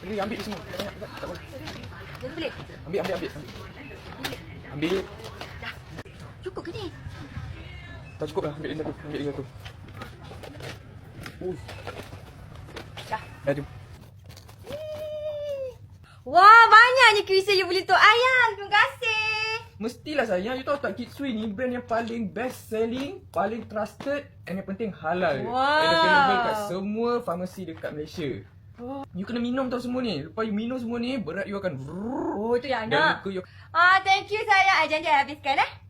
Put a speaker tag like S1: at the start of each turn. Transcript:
S1: Ni ambil semua. Tak boleh.
S2: Boleh?
S1: Ambil. Ambil.
S2: Dah. Cukup ke ni?
S1: Tak cukup lah. Ambil yang satu.
S2: Dah.
S1: Dah jom.
S2: Wah, banyaknya kuisi you beli untuk ayang. Terima kasih.
S1: Mestilah sayang. You tahu tak Kitsui ni brand yang paling best selling, paling trusted and yang penting halal.
S2: Wow.
S1: And available kat semua farmasi dekat Malaysia. You kena minum tau semua ni. Lepas you minum semua ni, berat you akan
S2: Oh, tu yang
S1: dan
S2: nak.
S1: muka you
S2: Thank you sayang. I janji I habiskan